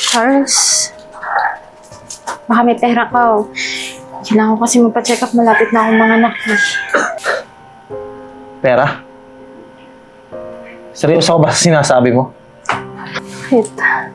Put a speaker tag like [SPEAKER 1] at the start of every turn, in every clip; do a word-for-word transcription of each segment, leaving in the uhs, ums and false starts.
[SPEAKER 1] Charles, baka may pera ka oh. Kailangan ko kasi magpa-check up, malapit na akong mga anak eh.
[SPEAKER 2] Pera? Seryoso ka ba sa sinasabi mo?
[SPEAKER 1] Wait.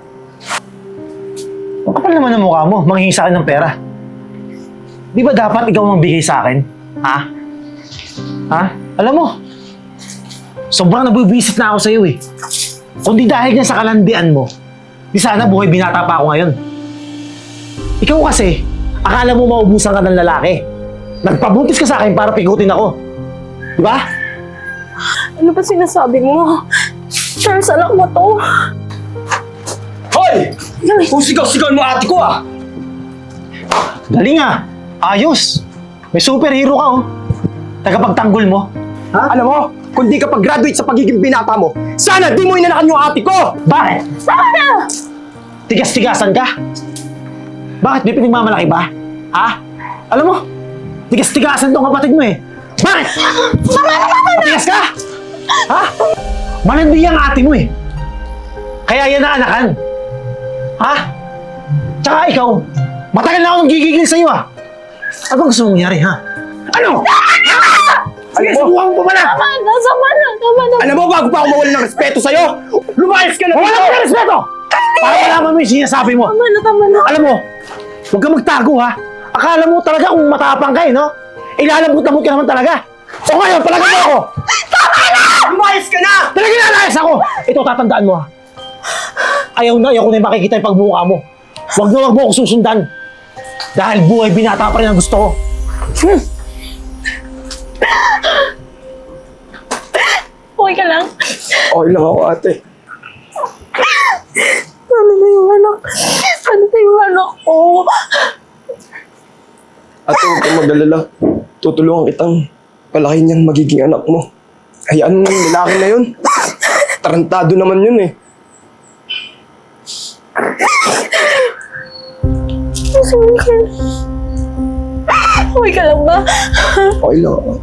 [SPEAKER 2] Ang kapal naman ang mukha mo, manghingi sa akin ng pera. Di ba dapat ikaw ang bigay sa akin? Ha? Ha? Alam mo, sobrang nabubisit na ako sa'yo eh. Kung di dahil yan sa kalandian mo, di sana buhay binata pa ako ngayon. Ikaw kasi, akala mo maubusan ka ng lalaki. Nagpabuntis ka sa akin para pigutin ako. Di ba?
[SPEAKER 1] Ano ba sinasabi mo? Charles, anak mo to.
[SPEAKER 3] Hoy! Kung sigaw-sigaw mo ate ko ah!
[SPEAKER 2] Galing ah! Ayos! May superhero ka oh. Tagapagtanggol mo.
[SPEAKER 3] Ha? Alam mo, kung di ka pag-graduate sa pagiging binata mo, sana di mo inanakan yung ate ko!
[SPEAKER 2] Bakit?
[SPEAKER 1] Sana!
[SPEAKER 2] Tigas-tigasan ka? Bakit? May pinagmamalaki ba? Ha? Alam mo, tigas-tigasan tong kapatid mo eh. Bakit? Matigas ka? Ha? Malandi ang ate mo eh. Kaya yan na anakan. Ha? Tsaka ikaw, matagal na akong gigigil sa'yo ah. Ano bang gusto mong mangyari ha? Ano? Sige, subukan mo pa pala!
[SPEAKER 1] Tama na, tama na, tama na.
[SPEAKER 3] Alam mo, bago pa ako mawala ng respeto sa'yo, lumayas ka na
[SPEAKER 2] Wala ka ng respeto! Para malaman mo yung sinasabi mo.
[SPEAKER 1] Tama na, tama na.
[SPEAKER 2] Alam mo, huwag kang magtago ha. Akala mo talaga kung matapang ka eh, no? Ilalambot-lambot ka naman talaga. O ngayon, palagan mo ako!
[SPEAKER 3] Tama na! Lumayas ka na!
[SPEAKER 2] Talaga nalayas ako! Ito, tatandaan mo ha. Ayaw na, ayaw ko na yung makikita yung pagbuka mo. Huwag na huwag mo ako susundan. Dahil buhay binata pa rin ang gusto ko. Hmm.
[SPEAKER 1] Okay ka lang?
[SPEAKER 3] Okay lang ako ate.
[SPEAKER 1] Ano na yung anak? Ano na yung anak ko?
[SPEAKER 3] Ate, huwag kang mag-alala. Tutulungan kitang palaki niyang magiging anak mo. Hayaan mo yung lalaki na yun. Tarantado naman yun eh.
[SPEAKER 1] Sorry ka. Okay ka lang ba?
[SPEAKER 3] Okay lang ako.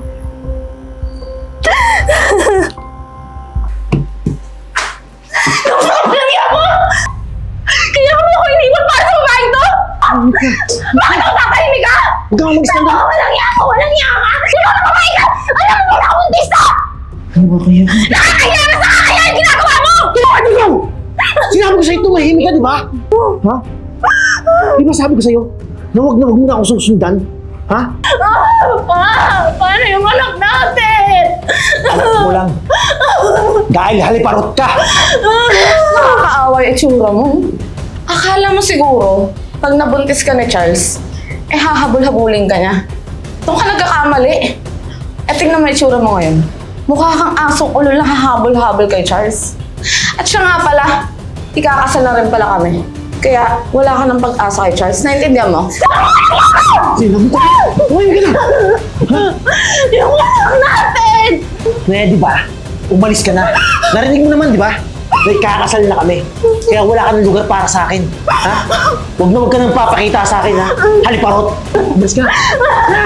[SPEAKER 1] Kaya mo! Kaya mo ako iniwan para sa babae to? Bakit ako tatahimik ka?
[SPEAKER 2] Huwag kang mag-stand up.
[SPEAKER 1] Walang iya ka! Walang iya ka! Sino na babae ka? Alam mo na akong tista!
[SPEAKER 2] Ano ba kaya?
[SPEAKER 1] Nakakaya na sa kakaya yung ginagawa mo!
[SPEAKER 2] Bakit ikaw? Sinabi ko sa'yo, tumahimik ka, di ba? Ha? Di ba sabi ko sa'yo, na huwag na huwag mo na ako susundan? Ha?
[SPEAKER 1] Ah, pa! Paano yung anak natin?
[SPEAKER 2] Alam mo lang. Dahil haliparot ka.
[SPEAKER 4] Nakakaawa yung itsura mo. Akala mo siguro, pag nabuntis ka ni Charles, eh hahabol-habulin ka niya. Doon ka nagkakamali. Eh tingnan mo yung itsura mo ngayon. Mukha kang asong ulo lang hahabol-habol kay Charles. At siya nga pala, ikakasal na rin pala kami. Kaya wala ka ng pag-asa kay Charles. Naintindihan mo?
[SPEAKER 2] Sinabi ko. Umayin ka na. Ha?
[SPEAKER 1] Yung anak natin!
[SPEAKER 2] Pwede ba? Umalis ka na. Narinig mo naman, di ba? May kakasal na kami. Kaya wala ka ng lugar para sa akin. Ha? Huwag na huwag ka nang papakita sa akin, ha? Haliparot. Umalis ka na. Na!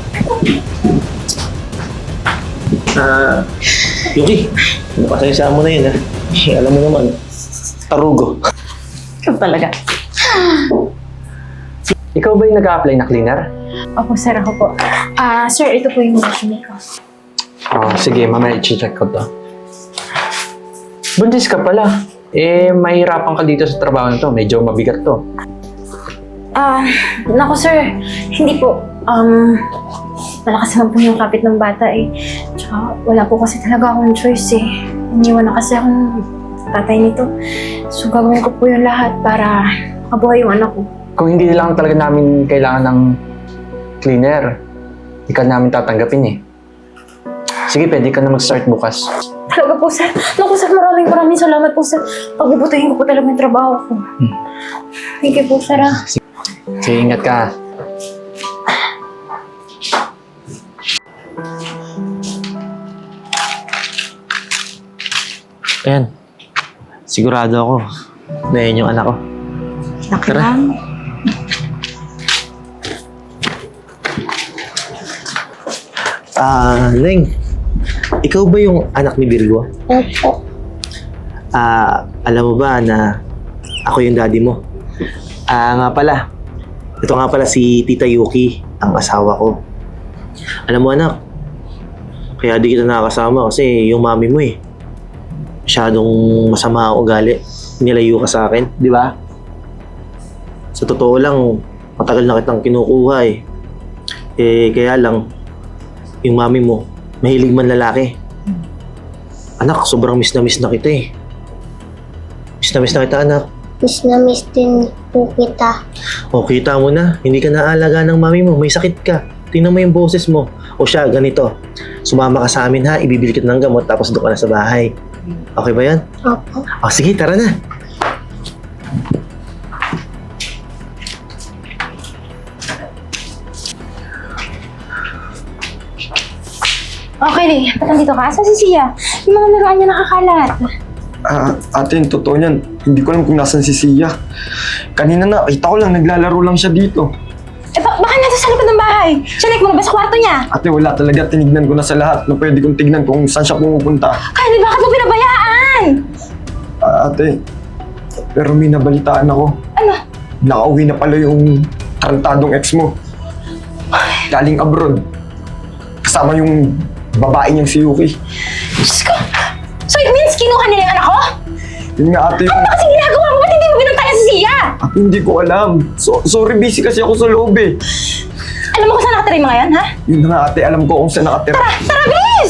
[SPEAKER 2] Ah, Yuki, napasayasaan mo na yun, ha? Eh, alam mo naman, tarugo.
[SPEAKER 4] Ikaw talaga.
[SPEAKER 5] Ikaw ba yung nag-a-apply na cleaner?
[SPEAKER 1] Opo, sir, ako po. Ah, sir, ito po yung resume ko.
[SPEAKER 5] Oh, sige, mamaya i-check ko to. Buntis ka pala. Eh, mahirapan ka dito sa trabaho na to. Medyo mabigat to.
[SPEAKER 1] Ah, naku, sir. Hindi po. Um, malakas lang po yung kapit ng bata eh. Tsaka wala po kasi talaga akong choice eh. Iniwan na kasi akong tatay nito. So, gagawin ko po yung lahat para makabuhay yung anak ko.
[SPEAKER 5] Kung hindi lang talaga namin kailangan ng cleaner, hindi ka namin tatanggapin eh. Sige, pwede ka na mag-start bukas.
[SPEAKER 1] Talaga po, sir. Naku, sir, maraming maraming salamat po, sir. Pagbubutihin ko po talaga yung trabaho ko.
[SPEAKER 5] Hmm.
[SPEAKER 1] Thank you po, sir. ah.
[SPEAKER 5] Sige, ingat ka.
[SPEAKER 2] Ayan. Sigurado ako na yan yung anak ko.
[SPEAKER 1] Laki
[SPEAKER 2] Tara.
[SPEAKER 1] lang.
[SPEAKER 2] Ah, Leng. Ikaw ba yung anak ni Virgo?
[SPEAKER 1] Opo.
[SPEAKER 2] Ah, alam mo ba na ako yung daddy mo. Ah, nga pala. Ito nga pala si Tita Yuki, ang asawa ko. Alam mo anak, kaya di kita nakakasama kasi yung mami mo eh. Masyadong masama ang ugali. Nilayo ka sa akin, di ba? Sa totoo lang, matagal na kitang kinukuha eh. Eh, kaya lang, yung mami mo, mahilig man lalaki. Anak, sobrang miss na miss na kita eh. Miss na miss na kita, anak.
[SPEAKER 6] Miss na miss din po kita.
[SPEAKER 2] O, kita mo na, hindi ka naalaga ng mami mo, may sakit ka. Tingnan mo yung boses mo. O siya, ganito. Sumama ka sa amin ha, ibibili kita ng gamot tapos doon ka na sa bahay. Okay ba yan?
[SPEAKER 6] Opo.
[SPEAKER 2] O, sige, tara na.
[SPEAKER 1] Okay, ba't nandito ka? Saan si Sia? Yung mga laruan niya nakakalat.
[SPEAKER 3] Ah, ate, yung totoo niyan, hindi ko alam kung nasan si Sia. Kanina na, kita ko lang, naglalaro lang siya dito.
[SPEAKER 1] Eh, ba baka nasa sa likod ng bahay. Siya mo na ba sa kwarto niya?
[SPEAKER 3] Ate, wala talaga. Tinignan ko na sa lahat na pwede kong tignan kung saan siya pumupunta.
[SPEAKER 1] Kylie, bakit mo pinabayaan?
[SPEAKER 3] Ah, ate, pero may nabalitaan ako.
[SPEAKER 1] Ano?
[SPEAKER 3] Nakauwi na pala yung tarantadong ex mo. Galing abroad. Kasama yung babae niyang si Yuki.
[SPEAKER 1] Diyos ko! So it means kinuha nila yung anak ko?
[SPEAKER 3] Yun nga ate,
[SPEAKER 1] Ano ba kasi ginagawa mo? Ba't hindi mo binuntayan si Sia?
[SPEAKER 3] at hindi ko alam. So, sorry, busy kasi ako sa loob eh.
[SPEAKER 1] Alam mo kung saan nakatira yung mga yan, ha?
[SPEAKER 3] Yun na nga ate, alam ko kung saan nakatira.
[SPEAKER 1] Tara! Tara, bilis!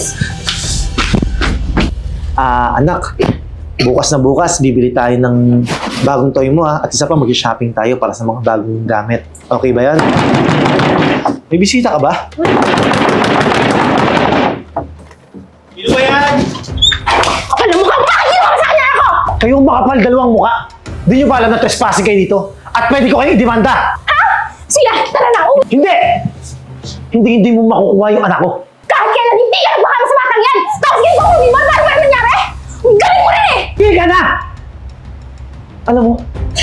[SPEAKER 2] Ah, anak, bukas na bukas, bibili tayo ng bagong toy mo ha. At isa pa, mag-shopping tayo para sa mga bagong gamit. Okay ba yan? May bisita ka ba? Sino ba yan?
[SPEAKER 1] Kapal na mukha mo! Bakit ginawa mo sa kanya ako?
[SPEAKER 2] Kayong makapal dalawang muka. Di nyo ba alam na trespassing kayo dito? At pwede ko kayo i-demanda.
[SPEAKER 1] Ha? Sia, tara na! Uwi!
[SPEAKER 2] Hindi! Hindi hindi mo makukuha yung anak ko.
[SPEAKER 1] Kahit kailan hindi ka nagbaka sa batang yan! Tapos ganito ko, di ba? Paano ba nangyari? Ang galing mo rin eh!
[SPEAKER 2] Hindi ka na! Alam mo,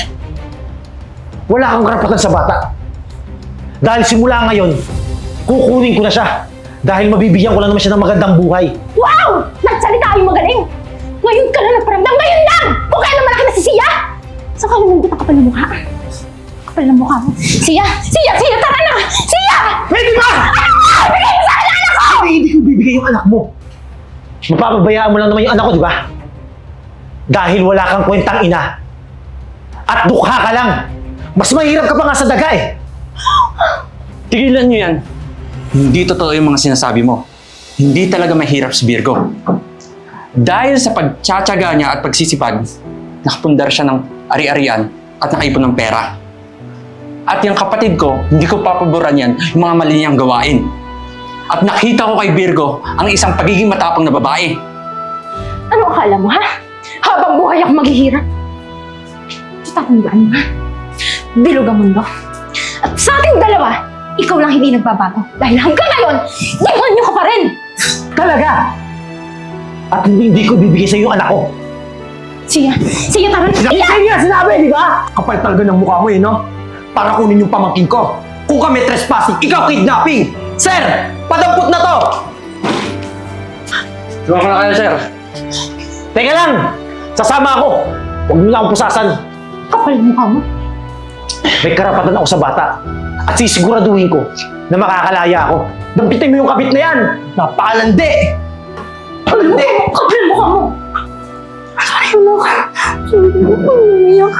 [SPEAKER 2] wala kang karapatan sa bata. Dahil simula ngayon, kukunin ko na siya. Dahil mabibigyan ko lang naman siya ng magandang buhay.
[SPEAKER 1] Wow! Nagsalita yung magaling! Ngayon ka na nagparamdam! Ngayon lang! Kung kailan malaki na si Sia! Saan ka lumundot ang kapal na mukha? Kapal na mukha mo. Sia! Sia! Sia! Tara na! Sia!
[SPEAKER 2] Pwede ba?
[SPEAKER 1] Ano mo? Bigay mo sa akin ang anak ko!
[SPEAKER 2] Hindi, hindi ko bibigay yung anak mo. Mapapabayaan mo lang naman yung anak ko, di ba? Dahil wala kang kwentang ina. At dukha ka lang. Mas mahirap ka pa nga sa daga eh.
[SPEAKER 5] Tigilan niyo yan. Hindi totoo yung mga sinasabi mo. Hindi talaga mahirap si Virgo. Dahil sa pagtsatsaga niya at pagsisipag, nakapundar siya ng ari-arian at nakaipon ng pera. At yung kapatid ko, hindi ko papaboran yan yung mga mali niyang gawain. At nakita ko kay Virgo ang isang pagiging matapang na babae.
[SPEAKER 1] Ano akala mo, ha? Habang buhay ako maghihirap. Tatandaan mo, ha? Bilog ang mundo. At sa ating dalawa, ikaw lang hindi nagbabago. Dahil hanggang ngayon, demonyo ka pa rin!
[SPEAKER 2] Talaga! At hindi, hindi ko bibigay sa iyo yung anak ko.
[SPEAKER 1] Sia! Sia, tara na!
[SPEAKER 2] Sinabi
[SPEAKER 1] Sia!
[SPEAKER 2] niya, sinabi, di ba? Kapal talaga ng mukha mo eh, no? Para kunin yung pamangkin ko. Kung kami trespassing, ikaw kidnapping! Sir! Padampot na to!
[SPEAKER 5] Suwa ko na kayo, sir.
[SPEAKER 2] Teka lang! Sasama ako! Huwag mo na akong pusasan.
[SPEAKER 1] Kapal ang mukha mo.
[SPEAKER 2] May karapatan ako sa bata. At sisiguraduhin ko na makakalaya ako. Dampitin mo yung kabit na yan! Napakalandi! Palandi!
[SPEAKER 1] Kapal ang mukha mo! Sorry, anak. Sorry, umiyak.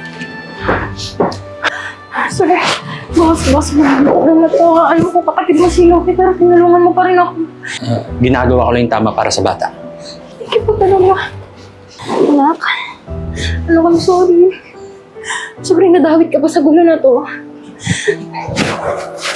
[SPEAKER 1] Sorry. Boss, boss, ano na to? Alam ko kapatid mo si Loki, pero tinulungan mo pa rin ako.
[SPEAKER 5] Ginagawa ko lang yung tama para sa bata.
[SPEAKER 1] Thank you po talaga. Anak, ano kang sorry. Sobrang nadawit ka pa sa gulo na to.